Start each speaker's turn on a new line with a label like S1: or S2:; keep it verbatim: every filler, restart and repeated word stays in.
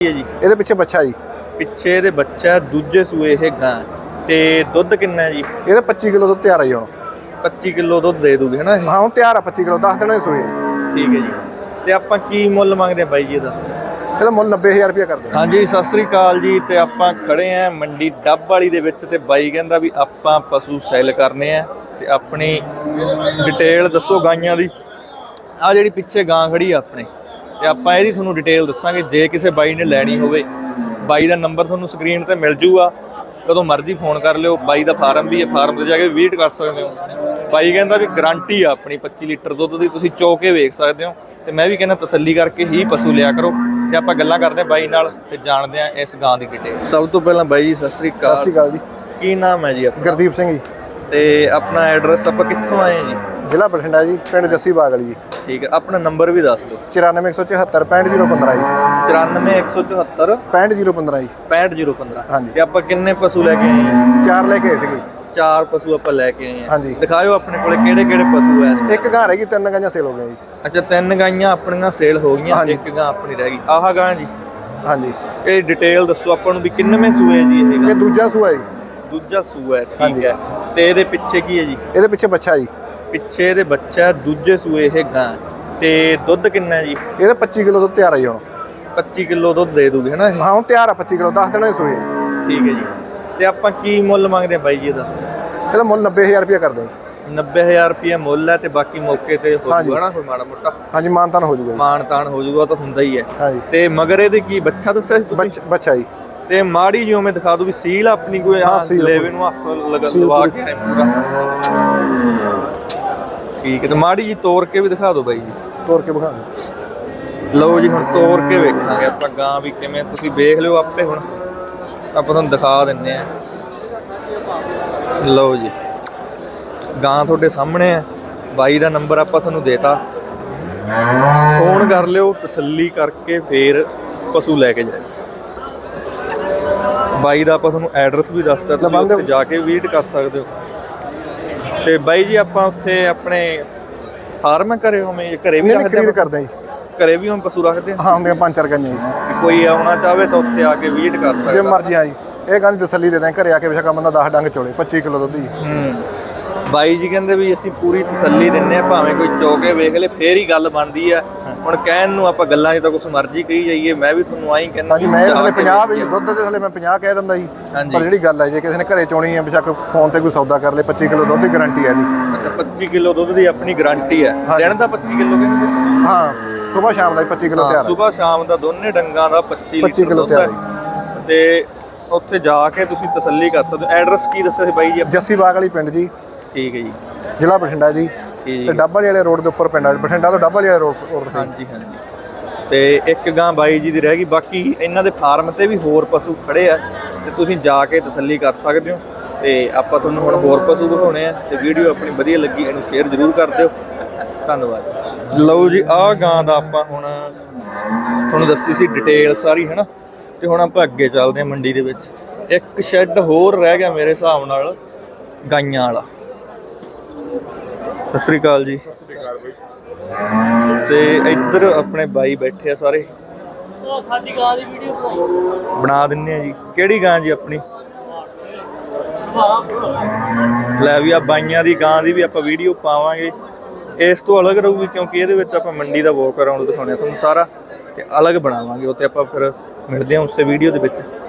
S1: जी
S2: ਇਹਦੇ ਪਿੱਛੇ ਬੱਚਾ ਜੀ।
S1: ਪਿੱਛੇ ਇਹਦੇ ਬੱਚਾ ਦੂਜੇ ਸੂਏ ਇਹ ਗਾਂ ਤੇ ਦੁੱਧ ਕਿੰਨਾ ਹੈ ਜੀ?
S2: ਇਹਦਾ ਪੱਚੀ ਕਿਲੋ ਦੁੱਧ ਤਿਆਰ ਆ ਜੀ ਹੁਣ।
S1: ਪੱਚੀ ਕਿਲੋ ਦੁੱਧ ਦੇ ਦੂਗੀ ਹੈ ਨਾ ਇਹ?
S2: ਹਾਂ ਹੁਣ ਤਿਆਰ ਆ ਪੱਚੀ ਕਿਲੋ, ਦਸ ਦਿਨਾਂ ਦੀ ਸੂਈ।
S1: ਠੀਕ ਹੈ ਜੀ। ਤੇ ਆਪਾਂ ਕੀ ਮੁੱਲ ਮੰਗਦੇ ਆ ਬਾਈ ਜੀ ਇਹਦਾ?
S2: ਇਹਦਾ ਮੁੱਲ ਨੱਬੇ ਹਜ਼ਾਰ ਰੁਪਇਆ ਕਰਦੇ।
S1: ਹਾਂਜੀ ਸਤਿ ਸ੍ਰੀ ਅਕਾਲ ਜੀ। ਤੇ ਆਪਾਂ ਖੜੇ ਆ ਮੰਡੀ ਡੱਬ ਵਾਲੀ ਦੇ ਵਿੱਚ ਤੇ ਬਾਈ ਕਹਿੰਦਾ ਵੀ ਆਪਾਂ ਪਸ਼ੂ ਸੈਲ ਕਰਨੇ ਆ ਤੇ ਆਪਣੀ ਡਿਟੇਲ ਦੱਸੋ ਗਾਈਆਂ ਦੀ। ਆ ਜਿਹੜੀ ਪਿੱਛੇ ਗਾਂ ਖੜੀ ਆ ਆਪਣੇ ਤੇ ਆਪਾਂ ਇਹਦੀ ਤੁਹਾਨੂੰ ਡਿਟੇਲ ਦੱਸਾਂਗੇ। ਜੇ ਕਿਸੇ ਬਾਈ ਨੇ ਲੈਣੀ ਹੋਵੇ ਬਾਈ ਦਾ ਨੰਬਰ ਤੁਹਾਨੂੰ ਸਕਰੀਨ ਤੇ ਮਿਲ ਜੂਗਾ, ਕਦੋਂ ਮਰਜ਼ੀ ਫੋਨ ਕਰ ਲਿਓ। ਬਾਈ ਦਾ ਫਾਰਮ ਵੀ ਹੈ, ਫਾਰਮ ਤੇ ਜਾ ਕੇ ਵਿਜ਼ਿਟ ਕਰ ਸਕਦੇ ਹੋ। ਬਾਈ ਕਹਿੰਦਾ ਵੀ ਗਾਰੰਟੀ ਆ ਆਪਣੀ ਪੱਚੀ ਲੀਟਰ ਦੁੱਧ ਦੀ, ਤੁਸੀਂ ਚੋ ਕੇ ਵੇਖ ਸਕਦੇ ਹੋ। ਤੇ ਮੈਂ ਵੀ ਕਹਿੰਦਾ ਤਸੱਲੀ ਕਰਕੇ ਹੀ ਪਸ਼ੂ ਲਿਆ ਕਰੋ। ਤੇ ਆਪਾਂ ਗੱਲਾਂ ਕਰਦੇ ਹਾਂ ਬਾਈ ਨਾਲ ਤੇ ਜਾਣਦੇ ਹਾਂ ਇਸ ਗਾਂ ਦੀ ਡਿਟੇਲ। ਸਭ ਤੋਂ ਪਹਿਲਾਂ ਬਾਈ ਜੀ ਸਤਿ ਸ੍ਰੀ ਅਕਾਲ।
S2: ਸਤਿ ਸ਼੍ਰੀ ਅਕਾਲ ਜੀ।
S1: ਕੀ ਨਾਮ ਹੈ ਜੀ ਆਪਣਾ?
S2: ਗੁਰਦੀਪ ਸਿੰਘ ਜੀ।
S1: ਤੇ ਆਪਣਾ ਐਡਰੈਸ ਆਪਾਂ ਕਿੱਥੋਂ ਆਏ ਹਾਂ ਜੀ?
S2: ਜ਼ਿਲ੍ਹਾ ਬਠਿੰਡਾ ਜੀ, ਪਿੰਡ ਜੱਸੀ ਬਾਗ ਵਾਲੀ ਜੀ।
S1: ਠੀਕ ਹੈ, ਆਪਣਾ ਨੰਬਰ ਵੀ ਦੱਸ ਦਿਓ।
S2: ਚੁਰਾਨਵੇਂ ਇੱਕ ਸੌ ਚੁਹੱਤਰ ਪੈਂਹਠ ਜ਼ੀਰੋ ਪੰਦਰਾਂ ਜੀ।
S1: ਚੁਰਾਨਵੇਂ ਇੱਕ ਸੌ ਚੁਹੱਤਰ
S2: ਪੈਂਹਠ ਜ਼ੀਰੋ ਪੰਦਰਾਂ ਜੀ।
S1: ਪੈਂਹਠ ਜ਼ੀਰੋ ਪੰਦਰਾਂ।
S2: ਹਾਂਜੀ।
S1: ਤੇ ਆਪਾਂ ਕਿੰਨੇ ਪਸ਼ੂ ਲੈ ਕੇ ਆਏ ਹਾਂ?
S2: ਚਾਰ ਲੈ ਕੇ ਆਏ ਸੀਗੇ।
S1: ਚਾਰ ਪਸ਼ੂ ਆਪਾਂ ਲੈ ਕੇ ਆਏ ਹਾਂ।
S2: ਹਾਂਜੀ।
S1: ਦਿਖਾਇਓ ਆਪਣੇ ਕੋਲੇ ਕਿਹੜੇ ਕਿਹੜੇ ਪਸ਼ੂ ਐ ਇਸ time?
S2: ਇੱਕ ਗਾਂ ਰਹਿ ਗਈ, ਤਿੰਨ ਗਾਈਆਂ ਸੇਲ ਹੋ ਗਈਆਂ ਜੀ।
S1: ਅੱਛਾ, ਤਿੰਨ ਗਾਈਆਂ ਆਪਣੀਆਂ ਸੇਲ ਹੋ ਗਈਆਂ,
S2: ਹਾਂਜੀ।
S1: ਇੱਕ ਗਾਂ ਆਪਣੀ ਰਹਿ ਗਈ। ਆਹ ਗਾਂ ਜੀ,
S2: ਹਾਂਜੀ।
S1: ਇਹ ਡਿਟੇਲ ਦੱਸੋ ਆਪਾਂ ਨੂੰ ਵੀ ਕਿੰਨਵੇਂ ਸੂਏ ਜੀ ਇਹ
S2: ਇਹ
S1: ਗਾਂ?
S2: ਦੂਜਾ ਸੂਆ ਜੀ।
S1: ਦੂਜਾ ਸੂਆ ਹੈ। ਠੀਕ
S2: ਹਾਂਜੀ।
S1: ਹੈ। ਤੇ ਇਹਦੇ ਪਿੱਛੇ ਕੀ ਹੈ ਜੀ?
S2: ਇਹਦੇ ਪਿੱਛੇ ਬੱਚਾ ਜੀ।
S1: ਪਿੱਛੇ ਇਹਦੇ ਬੱਚਾ ਦੂਜੇ ਸੂਏ ਇਹ ਗਾਂ ਤੇ ਦੁੱਧ ਕਿੰਨਾ ਹੈ ਜੀ?
S2: ਇਹਦਾ ਪੱਚੀ ਕਿਲੋ ਦੁੱਧ ਤਿਆਰ ਆ ਜੀ ਹੁਣ।
S1: ਪੱਚੀ ਕਿਲੋ ਦੁੱਧ ਦੇ ਦੂਗੀ ਹੈ ਨਾ ਇਹ?
S2: ਹਾਂ ਹੁਣ ਤਿਆਰ ਆ ਪੱਚੀ ਕਿਲੋ, ਦਸ ਦਿਨਾਂ ਦੀ ਸੂਈ।
S1: ਠੀਕ ਹੈ ਜੀ। ਤੇ ਆਪਾਂ ਕੀ ਮੁੱਲ ਮੰਗਦੇ ਆ ਬਾਈ ਜੀ ਇਹਦਾ?
S2: ਇਹਦਾ ਮੁੱਲ ਨੱਬੇ ਹਜ਼ਾਰ ਰੁਪਇਆ ਕਰਦੇ ਜੀ।
S1: ਨੱਬੇ ਹਜ਼ਾਰ ਰੁਪਇਆ ਮੁੱਲ ਹੈ ਤੇ ਬਾਕੀ ਮੌਕੇ ਤੇ ਹੋ
S2: ਹਾਂਜੀ।
S1: ਜਾਊਗਾ ਨਾ ਕੋਈ ਮਾੜਾ ਮੋਟਾ
S2: ਹਾਂਜੀ ਮਾਨਤਾਨ ਹੋ ਜਾਊਗਾ ਜੀ।
S1: ਮਾਣ ਤਾਣ ਹੋ ਜਾਊਗਾ, ਤਾਂ ਹੁੰਦਾ ਹੀ ਹੈ।
S2: ਹਾਂਜੀ।
S1: ਤੇ ਮਗਰ ਇਹਦੇ ਕੀ ਬੱਚਾ ਦੱਸਿਆ ਸੀ ਤੁਸੀਂ?
S2: ਬੱਚ- ਬੱਚਾ ਜੀ।
S1: ਤੇ ਮਾੜੀ ਜਿਹੀ ਉਵੇਂ ਦਿਖਾ ਦੋ ਵੀ ਸੀਲ ਆਪਣੀ ਕੋਈ
S2: ਹਾਂ, ਸੀਲ
S1: ਲੈਵੇ ਨੂੰ ਹੱਥ ਲਗਾ
S2: ਸੀਲ
S1: ਲਵਾ
S2: ਪੂਰੀ।
S1: ਕੇ ਟਾਈਮ ਪੂਰਾ। ਠੀਕ ਹੈ, ਤੇ ਮਾੜੀ ਜੀ ਤੋੜ ਕੇ ਵੀ ਦਿਖਾ ਦਿਓ ਬਾਈ ਜੀ।
S2: ਤੋਰ ਕੇ ਵਿਖਾ ਦਿਓ।
S1: ਲਓ ਜੀ, ਹੁਣ ਤੋੜ ਕੇ ਵੇਖਾਂਗੇ ਆਪਾਂ ਗਾਂ ਵੀ ਕਿਵੇਂ, ਤੁਸੀਂ ਵੇਖ ਲਿਓ ਆਪੇ। ਹੁਣ ਆਪਾਂ ਤੁਹਾਨੂੰ ਦਿਖਾ ਦਿੰਨੇ ਆ। ਲਓ ਜੀ, ਗਾਂ ਤੁਹਾਡੇ ਸਾਹਮਣੇ ਹੈ। ਬਾਈ ਦਾ ਨੰਬਰ ਆਪਾਂ ਤੁਹਾਨੂੰ ਦੇਤਾ, ਫੋਨ ਕਰ ਲਿਓ, ਤਸੱਲੀ ਕਰਕੇ ਫੇਰ ਪਸ਼ੂ ਲੈ ਕੇ ਜਾਇਓ। ਬਾਈ ਦਾ ਆਪਾਂ ਤੁਹਾਨੂੰ ਐਡਰੈਸ ਵੀ ਦੱਸਤਾ, ਤੁਸੀਂ ਉੱਥੇ ਜਾ ਕੇ ਵਿਜ਼ਿਟ ਕਰ ਸਕਦੇ ਹੋ। ਤੇ ਬਾਈ ਜੀ ਆਪਾਂ ਉੱਥੇ ਆਪਣੇ ਫਾਰਮ ਘਰੇ ਹੋਵੇਂ ਘਰੇ ਵੀ
S2: ਨਹੀਂ
S1: ਰੱਖਦੇ
S2: ਖਰੀਦ
S1: ਆ?
S2: ਕਰਦੇ ਜੀ।
S1: ਘਰੇ ਵੀ ਹੁਣ ਪਸ਼ੂ ਰੱਖਦੇ ਆ?
S2: ਹਾਂ ਹੁੰਦੀਆਂ ਪੰਜ ਚਾਰ ਗਾਈਆਂ ਜੀ।
S1: ਵੀ ਕੋਈ ਆਉਣਾ ਚਾਹਵੇ ਤਾਂ ਉੱਥੇ ਆ ਕੇ ਵਿਜ਼ਿਟ ਕਰ ਸਕਦਾ।
S2: ਜੇ ਮਰਜ਼ੀ ਆ ਜੀ। ਇਹ ਗਾਂ ਦੀ ਤਸੱਲੀ ਦੇ ਦਾਂ ਘਰੇ ਆ ਕੇ, ਬੇਸ਼ੱਕ ਬੰਦਾ ਦਸ ਡੰਗ ਚੋਲੇ, ਪੱਚੀ ਕਿਲੋ ਦੁੱਧ ਜੀ।
S1: ਹੂੰ। ਬਾਈ ਜੀ ਕਹਿੰਦੇ ਵੀ ਅਸੀਂ ਪੂਰੀ ਤਸੱਲੀ ਦਿੰਨੇ ਆ, ਭਾਵੇਂ ਕੋਈ ਚੋਕੇ ਵੇਖ ਲੇ ਫੇਰ ਹੀ ਗੱਲ ਬਣਦੀ ਆ। ਹੁਣ ਕਹਿਣ ਨੂੰ ਆਪਾਂ ਗੱਲਾਂ 'ਚ ਤਾਂ ਕੁਛ ਮਰਜ਼ੀ ਕਹੀ ਜਾਈਏ, ਮੈਂ ਵੀ ਤੁਹਾਨੂੰ ਆਈ ਕਹਿੰਦਾ।
S2: ਹਾਂਜੀ ਮੈਂ ਹਲੇ ਪੰਜਾਹ ਵੀ ਦੁੱਧ ਦੇ ਹਲੇ ਮੈਂ ਪੰਜਾਹ ਕਹਿ ਦਿੰਦਾ ਜੀ।
S1: ਹਾਂਜੀ।
S2: ਪਰ ਜਿਹੜੀ ਗੱਲ ਹੈ, ਜੇ ਕਿਸੇ ਨੇ ਘਰੇ ਚੋਣੀ ਹੈ, ਬੇਸ਼ੱਕ ਫੋਨ ਤੇ ਕੋਈ ਸੌਦਾ ਕਰ ਲੇ, ਪੱਚੀ ਕਿਲੋ ਦੁੱਧ ਦੀ ਗਾਰੰਟੀ ਹੈ ਜੀ।
S1: ਅੱਛਾ, ਪੱਚੀ ਕਿਲੋ ਦੁੱਧ ਦੀ ਆਪਣੀ ਗਾਰੰਟੀ ਹੈ।
S2: ਹਾਂਜੀ।
S1: ਦਿਨ ਦਾ ਪੱਚੀ ਕਿਲੋ ਕਹਿੰਦੇ ਤੁਸੀਂ?
S2: ਹਾਂ ਸਵੇਰ ਸ਼ਾਮ ਦਾ ਪੱਚੀ ਕਿਲੋ ਤਿਆਰ ਹੈ।
S1: ਸਵੇਰ ਸ਼ਾਮ ਦਾ ਦੋਨੇ ਡੰਗਾਂ ਦਾ ਪੱਚੀ
S2: ਪੱਚੀ
S1: ਲੀਟਰ
S2: ਕਿਲੋ
S1: ਦੁੱਧ ਹੈ।
S2: ਤਿਆਰ
S1: ਤੇ ਉੱਥੇ ਜਾ ਕੇ ਤੁਸੀਂ ਤਸੱਲੀ ਕਰ ਸਕਦੇ ਹੋ। ਐਡਰੈਸ ਕੀ ਦੱਸਿਆ ਸੀ ਬਾਈ ਜੀ?
S2: ਜੱਸੀ ਬਾਗ ਵਾਲੀ ਪਿੰਡ ਜੀ,
S1: ਠੀਕ ਹੈ ਜੀ।
S2: ਜ਼ਿਲ੍ਹਾ ਬਠਿੰਡਾ ਜੀ।
S1: ਠੀਕ
S2: ਤੇ ਡੱਬ ਵਾਲੇ ਰੋਡ ਦੇ ਉੱਪਰ ਪਿੰਡ ਆ, ਬਠਿੰਡਾ ਤੋਂ ਡੱਬ ਵਾਲੇ ਰੋਡ ਰੋਡ ਤੇ।
S1: ਹਾਂਜੀ ਹਾਂਜੀ। ਤੇ ਇੱਕ ਗਾਂ ਬਾਈ ਜੀ ਦੀ ਰਹਿ ਗਈ, ਬਾਕੀ ਇਹਨਾਂ ਦੇ ਫਾਰਮ ਤੇ ਵੀ ਹੋਰ ਪਸ਼ੂ ਖੜੇ ਆ ਤੇ ਤੁਸੀਂ ਜਾ ਕੇ ਤਸੱਲੀ ਕਰ ਸਕਦੇ ਹੋ। ਤੇ ਆਪਾਂ ਤੁਹਾਨੂੰ ਹੁਣ ਹੋਰ ਪਸ਼ੂ ਦਿਖਾਉਣੇ ਆ ਤੇ ਵੀਡੀਓ ਆਪਣੀ ਵਧੀਆ ਲੱਗੀ ਇਹਨੂੰ ਸ਼ੇਅਰ ਜ਼ਰੂਰ ਕਰ ਦਿਓ। ਧੰਨਵਾਦ। ਲਓ ਜੀ, ਆਹ ਗਾਂ ਦਾ ਆਪਾਂ ਹੁਣ ਤੁਹਾਨੂੰ ਦੱਸੀ ਸੀ ਡਿਟੇਲ ਸਾਰੀ, ਹੈ ਨਾ। ਤੇ ਹੁਣ ਆਪਾਂ ਅੱਗੇ ਚੱਲਦੇ ਹਾਂ ਮੰਡੀ ਦੇ ਵਿੱਚ। ਇੱਕ ਸ਼ੈੱਡ ਹੋਰ ਰਹਿ ਗਿਆ ਮੇਰੇ ਹਿਸਾਬ ਨਾਲ ਗਾਈਆਂ ਵਾਲਾ। ਸਤਿ ਸ੍ਰੀ ਅਕਾਲ ਜੀ।
S3: ਸਤਿ ਸ੍ਰੀ ਅਕਾਲ ਬਾਈ।
S1: ਤੇ ਇੱਧਰ ਆਪਣੇ ਬਾਈ ਬੈਠੇ ਆ ਸਾਰੇ।
S4: ਉਹ ਸਾਡੀ ਗਾਂ ਦੀ ਵੀਡੀਓ ਬਣਾਈ
S1: ਬਣਾ ਦਿੰਨੇ ਆ ਜੀ। ਕਿਹੜੀ ਗਾਂ ਜੀ ਆਪਣੀ? ਲੈ ਵੀ ਆ ਬਾਈਆਂ ਦੀ ਗਾਂ ਦੀ ਵੀ ਆਪਾਂ ਵੀਡੀਓ ਪਾਵਾਂਗੇ। ਇਸ ਤੋਂ ਅਲੱਗ ਰਹੂਗੀ ਕਿਉਂਕਿ ਇਹਦੇ ਵਿੱਚ ਆਪਾਂ ਮੰਡੀ ਦਾ ਵਾਕ ਅਰਾਊਂਡ ਦਿਖਾਉਣੇ ਆ ਤੁਹਾਨੂੰ ਸਾਰਾ, ਤੇ ਅਲੱਗ ਬਣਾਵਾਂਗੇ। ਉੱਥੇ ਆਪਾਂ ਫਿਰ ਮਿਲਦੇ ਹਾਂ ਉਸੇ ਵੀਡੀਓ ਦੇ ਵਿੱਚ।